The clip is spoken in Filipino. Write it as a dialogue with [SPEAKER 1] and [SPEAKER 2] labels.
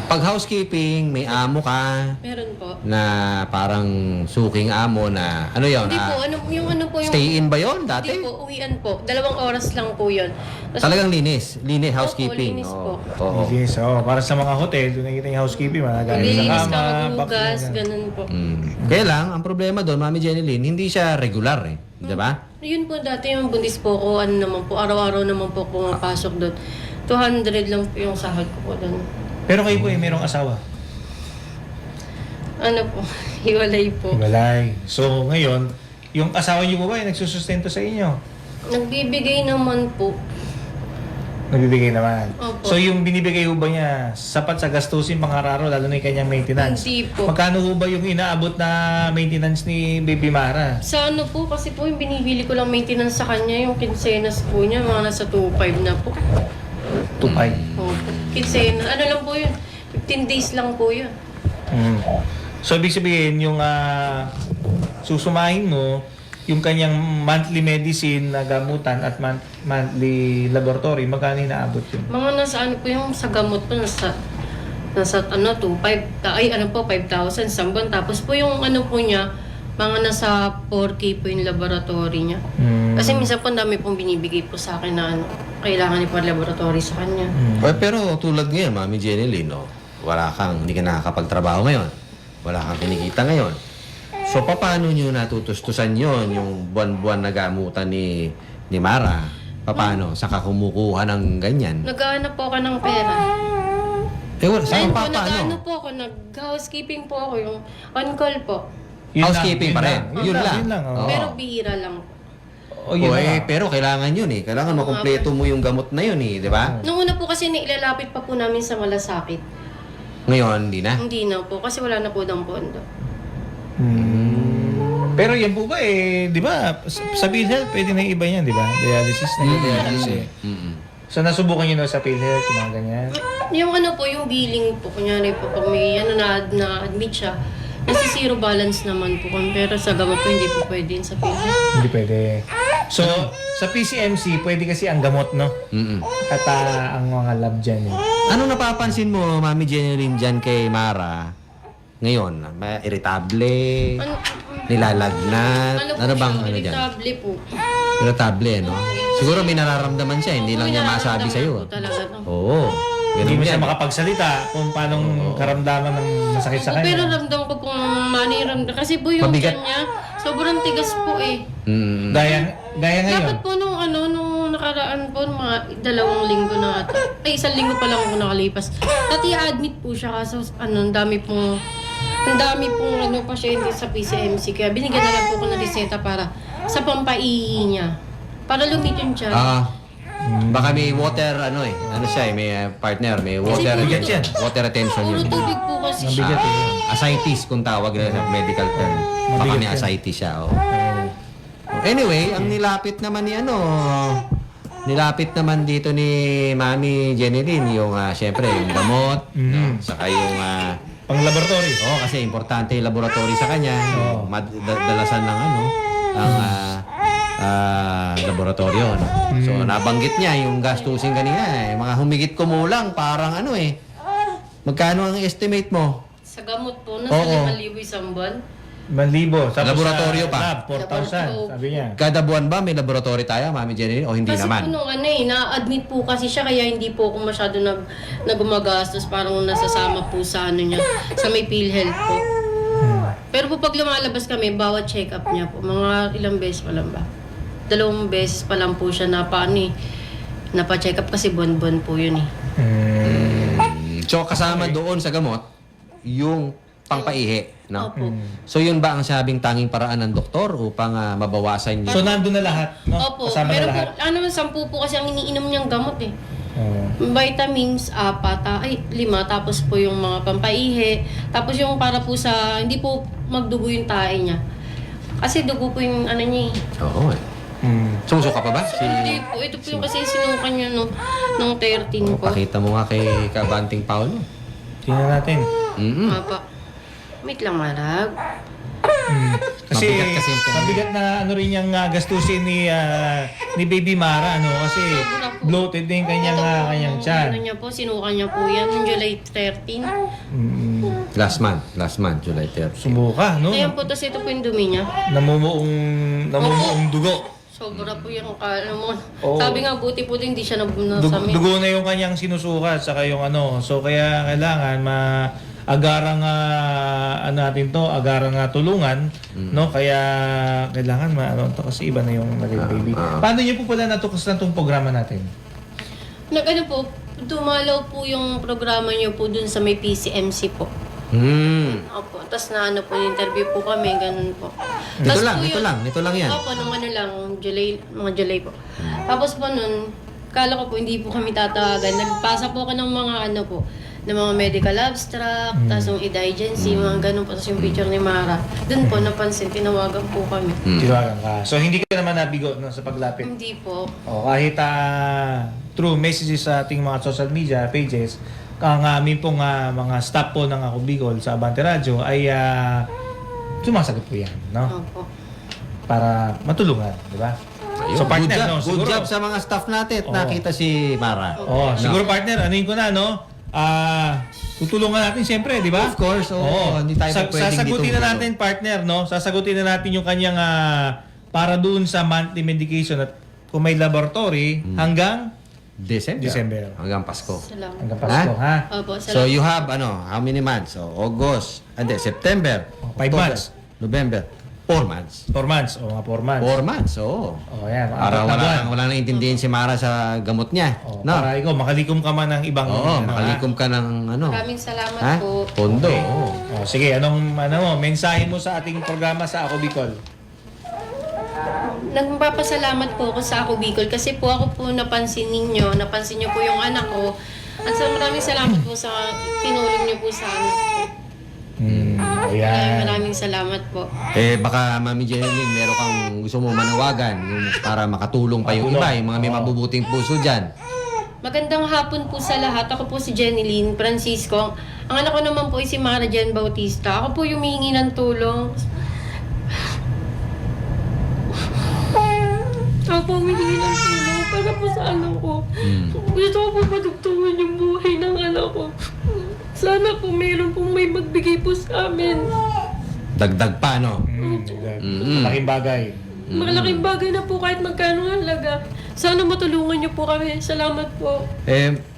[SPEAKER 1] Pag housekeeping, may amo ka
[SPEAKER 2] Meron po.
[SPEAKER 1] na parang suking amo na, ano yun?
[SPEAKER 2] Hindi po, ano po yung...
[SPEAKER 1] Stay-in ba yun dati?
[SPEAKER 2] Hindi po, uwian po. 2 oras lang po yun. Tapos,
[SPEAKER 1] Talagang linis. Linis, housekeeping.
[SPEAKER 2] linis po.
[SPEAKER 1] Oo.
[SPEAKER 3] Yes, para sa mga hotel, doon nakita yung housekeeping, mga gamit sa
[SPEAKER 2] maglilinis
[SPEAKER 3] kama,
[SPEAKER 2] ka,
[SPEAKER 3] box,
[SPEAKER 2] maghugas,
[SPEAKER 3] ganyan.
[SPEAKER 2] ganun po.
[SPEAKER 1] Kaya lang, ang problema doon, Mami Jeneline, hindi siya regular eh. Di ba?
[SPEAKER 2] Yun po dati yung buntis po ko, ano naman po, araw-araw naman po pumapasok doon. 200 lang po yung sahod ko po doon.
[SPEAKER 3] Pero kayo po mayroong asawa?
[SPEAKER 2] Ano po, hiwalay po.
[SPEAKER 3] Hiwalay. So, ngayon, yung asawa niyo po ba ay nagsusustento sa inyo?
[SPEAKER 2] Nagbibigay naman po.
[SPEAKER 3] Nagbibigay naman.
[SPEAKER 2] Opo.
[SPEAKER 3] So, yung binibigay ho ba niya, sapat sa gastusin pang-araw, lalo na yung kanyang maintenance?
[SPEAKER 2] Hindi po.
[SPEAKER 3] Magkano ho ba yung inaabot na maintenance ni Baby Mara?
[SPEAKER 2] Sa ano po, kasi po yung binibili ko lang maintenance sa kanya, yung kinsenas po niya, mga nasa 2.5 na po.
[SPEAKER 3] 2.5.
[SPEAKER 2] Opo. Kinsenas, ano lang po yun, 15 days lang po yun.
[SPEAKER 3] So, ibig sabihin, yung susumahin mo, yung kanyang monthly medicine na gamutan at monthly laboratory, magkano inaabot yun?
[SPEAKER 2] Mga nasa ano po yung sa gamot po, nasa ano, 2.5, ay ano po, 5,000 sa buwan. Tapos po yung ano po niya, mga nasa 4K po yung laboratory niya. Kasi minsan po ang dami pong binibigay po sa akin na ano, kailangan ni po laboratory sa kanya.
[SPEAKER 1] Pero tulad ngayon, Mami Jeneline, no? Hindi ka nakakapagtrabaho ngayon. Wala kang kinikita ngayon. So, paano nyo natutustusan yon yung buwan-buwan na gamutan ni Mara? Paano? Saan ka kumukuha ng ganyan?
[SPEAKER 2] Naghahanap po ako ng pera.
[SPEAKER 1] Saan
[SPEAKER 2] Ayun po,
[SPEAKER 1] pa paano?
[SPEAKER 2] nag-ano po ako, nag-housekeeping po ako, yung on-call po.
[SPEAKER 1] Housekeeping pa rin. Yun lang.
[SPEAKER 3] Oo.
[SPEAKER 2] Pero bihira lang po.
[SPEAKER 1] Pero kailangan yun eh. Kailangan makumpleto mo yung gamot na yun eh. Di ba?
[SPEAKER 2] Nung una po kasi nilalapit pa po namin sa malasakit.
[SPEAKER 1] Ngayon, hindi na.
[SPEAKER 2] Hindi na po, kasi wala na po ng pondo.
[SPEAKER 3] Pero yan po ba di ba, sa PhilHealth, pwede na yung iba yan, di ba? Dialysis na dialysis eh. So, nasubukan nyo na sa PhilHealth, yung mga ganyan?
[SPEAKER 2] Yung ano po, yung billing po, kunyari po, pag may ano na-admit siya, nasa zero balance naman po kung pero sa gamot po hindi po pwede yun sa PhilHealth.
[SPEAKER 3] Hindi pwede. So, sa PCMC, pwede kasi ang gamot, no? At ang mga lab dyan eh.
[SPEAKER 1] Anong napapansin mo, Mami Jeneline, dyan kay Mara? Ngayon, irritable, nilalagnat, ano bang ano dyan?
[SPEAKER 2] Irritable po.
[SPEAKER 1] Irritable, no? Siguro may nararamdaman siya, hindi lang niya masabi sa'yo.
[SPEAKER 2] Po talaga, no?
[SPEAKER 1] Oo.
[SPEAKER 3] Hindi
[SPEAKER 1] Ganun
[SPEAKER 3] mo siya
[SPEAKER 1] yan.
[SPEAKER 3] makapagsalita kung paano karamdaman ng masakit sa
[SPEAKER 2] Pero
[SPEAKER 3] kanya.
[SPEAKER 2] ramdam ko pong maniramdam. Kasi po yung
[SPEAKER 1] Mabigat.
[SPEAKER 2] tiyan niya, sobrang tigas po eh.
[SPEAKER 3] Gaya ngayon.
[SPEAKER 2] Dapat po nung nakaraan po, mga 2 linggo na ata. Ay, 1 linggo pa lang ako nakalipas. Dati admit po siya kaso ang dami pong pasyente sa PCMC. Kaya binigyan na lang po ko ng reseta para sa pampaihi niya. Para lumitin siya.
[SPEAKER 1] Baka may water, ano siya may partner, may water,
[SPEAKER 3] bigat yan.
[SPEAKER 1] water retention
[SPEAKER 2] Puro
[SPEAKER 1] yun.
[SPEAKER 2] tubig po kasi siya.
[SPEAKER 3] Mabigat eh.
[SPEAKER 1] Ascites kung tawag nila sa medical term. Baka
[SPEAKER 3] Mabigat
[SPEAKER 1] may
[SPEAKER 3] yan.
[SPEAKER 1] ascites siya, Anyway, ang nilapit naman dito ni Mami Jeneline, yung syempre, yung gamot, no? Saka yung
[SPEAKER 3] Pang laboratory.
[SPEAKER 1] kasi importante yung laboratory sa kanya. Dalasan ng laboratorio. No? So, nabanggit niya yung gastusin kanina. Mga humigit kumulang, parang magkano ang estimate mo?
[SPEAKER 2] Sa gamot po, nasa
[SPEAKER 1] Oo.
[SPEAKER 2] 5,000 isang buwan.
[SPEAKER 3] 1,000. Tapos
[SPEAKER 1] Laboratorio
[SPEAKER 3] sa
[SPEAKER 1] pa.
[SPEAKER 3] Lab, 4,000. Sabi niya.
[SPEAKER 1] Kada buwan ba may laboratory tayo, Mami Jeneline, o hindi
[SPEAKER 2] Kasi
[SPEAKER 1] naman?
[SPEAKER 2] po nung na-admit po kasi siya kaya hindi po ako masyado gumagastos parang nasasama po sa niya, sa may PhilHealth po. Pero po pag lumalabas kami, bawat check-up niya po, mga ilang beses pa lang ba? 2 beses pa lang po siya napa-check up kasi buwan-buwan po yun eh.
[SPEAKER 1] So, kasama doon sa gamot, yung pangpaihi, no?
[SPEAKER 2] Opo.
[SPEAKER 1] So, yun ba ang sabing tanging paraan ng doktor upang mabawasan niya?
[SPEAKER 3] So, nandun na lahat, no?
[SPEAKER 2] Opo,
[SPEAKER 3] Kasama
[SPEAKER 2] pero
[SPEAKER 3] na
[SPEAKER 2] po,
[SPEAKER 3] lahat.
[SPEAKER 2] 10 po kasi ang iniinom niyang gamot eh.
[SPEAKER 3] Oo.
[SPEAKER 2] Vitamins, 5, tapos po yung mga pampaihi, tapos yung para po sa, hindi po magdugo yung tae niya. Kasi dugo po yung niya eh.
[SPEAKER 1] Oo. Sumusuka pa ba?
[SPEAKER 2] Hindi po, ito po yung kasi sinukan niya nung 13 po.
[SPEAKER 1] Pakita mo nga kay Kabanting Paulo.
[SPEAKER 3] Tingnan natin.
[SPEAKER 2] Apa. Wait lang, Marag.
[SPEAKER 3] Kasi
[SPEAKER 1] Mabigat kasi yung pera.
[SPEAKER 3] mabigat na ano rin yung gastusin ni Baby Mara, ano? Kasi bloated din kanyang kanyang tiyan.
[SPEAKER 2] Ano niya po, sinuka niya po yan noong July 13.
[SPEAKER 1] Last month, July 30.
[SPEAKER 3] Sumuka, no?
[SPEAKER 2] Ayan po, tapos ito po yung dumi niya.
[SPEAKER 3] Namumuong dugo.
[SPEAKER 2] Sobra po yung ano mo.
[SPEAKER 3] Oo.
[SPEAKER 2] Sabi nga, buti po din hindi siya
[SPEAKER 3] Dugo,
[SPEAKER 2] nasamin.
[SPEAKER 3] dugo na yung kanyang sinusukat saka yung ano. So kaya kailangan agarang natin to, agarang tulungan, no? Kaya kailangan ano to kasi iba na yung naging baby. Paano niyo po pala natukas na tong programa natin?
[SPEAKER 2] Nag-ano po, dumalaw po yung programa niyo po dun sa may PCMC po. Opo, tapos na ano po, interview po kami, ganun po.
[SPEAKER 1] Nito
[SPEAKER 2] Tas
[SPEAKER 1] lang,
[SPEAKER 2] po
[SPEAKER 1] nito
[SPEAKER 2] yun-
[SPEAKER 1] lang, nito lang yan.
[SPEAKER 2] Opo, nung ano lang, mga July po. Tapos po nun, kala ko po hindi po kami tatawagan. Nagpasa po ako ng mga ano po, ng mga medical abstract, tapos yung indigency, mga ganun po, tapos yung picture ni Mara. Doon po, napansin, tinawagan po kami.
[SPEAKER 3] Tinawagan ka. So hindi ka naman nabigo no, sa paglapit.
[SPEAKER 2] Hindi po.
[SPEAKER 3] O, kahit through messages sa ating mga social media pages, ang aming pong mga staff po ng Ako Bicol sa Abante Radio ay sumasagot po yan, no?
[SPEAKER 2] Opo.
[SPEAKER 3] Para matulungan, di ba?
[SPEAKER 1] Ayun,
[SPEAKER 3] So, partner,
[SPEAKER 1] good job,
[SPEAKER 3] no,
[SPEAKER 1] good
[SPEAKER 3] siguro-
[SPEAKER 1] job sa mga staff natin at
[SPEAKER 3] Oo.
[SPEAKER 1] nakita si Mara.
[SPEAKER 3] Oh, siguro partner, anuin ko na, no? Tutulungan natin siyempre, di ba?
[SPEAKER 1] Of course, oo. Hindi tayo pwedeng
[SPEAKER 3] sasagutin
[SPEAKER 1] dito.
[SPEAKER 3] na natin, partner, no? Sasagutin na natin yung kanyang para doon sa monthly medication at kung may laboratory hanggang December.
[SPEAKER 1] Hanggang Pasko.
[SPEAKER 2] Salamat.
[SPEAKER 3] hanggang Pasko, ha?
[SPEAKER 2] Opo,
[SPEAKER 1] So
[SPEAKER 2] salamat.
[SPEAKER 1] you have how many months? So August, September,
[SPEAKER 3] 5
[SPEAKER 1] October,
[SPEAKER 3] months.
[SPEAKER 1] November, 4 months.
[SPEAKER 3] 4 months, o mga 4 months.
[SPEAKER 1] 4 months, oo.
[SPEAKER 3] Oh, yan.
[SPEAKER 1] Para
[SPEAKER 3] apat na buwan.
[SPEAKER 1] wala nang intindihin si Mara sa gamot niya.
[SPEAKER 3] Oh,
[SPEAKER 1] No?
[SPEAKER 3] para ikaw, makalikom ka man ng ibang...
[SPEAKER 1] Oo,
[SPEAKER 3] ano,
[SPEAKER 1] makalikom ka ng ano.
[SPEAKER 2] Maraming salamat
[SPEAKER 1] Ha?
[SPEAKER 2] po.
[SPEAKER 1] Pondo. oo.
[SPEAKER 3] Oh, sige, anong mensahe mo sa ating programa sa Ako Bicol?
[SPEAKER 2] Nagpapasalamat po ako sa Ako Bicol kasi po ako po napansin niyo po yung anak ko. At sa maraming salamat po sa tinulong niyo po sa anak ko. Kaya
[SPEAKER 3] Ayan.
[SPEAKER 2] maraming salamat po.
[SPEAKER 1] Baka Mami Jeneline, meron kang gusto mo manawagan yung para makatulong pa yung iba, yung mga may mabubuting puso dyan.
[SPEAKER 2] Magandang hapon po sa lahat. Ako po si Jeneline Francisco. Ang anak ko naman po ay si Mara Jen Bautista. Ako po yung humihingi ng tulong. Ako po humihingi ng tulong para po sa anak ko. Gusto ko po patugtungan yung buhay ng anak ko. Sana po meron pong may magbigay po sa amin.
[SPEAKER 1] Dagdag pa, no?
[SPEAKER 3] Malaking bagay.
[SPEAKER 2] Malaking bagay na po kahit magkano ang halaga. Sana matulungan niyo po kami. Salamat po.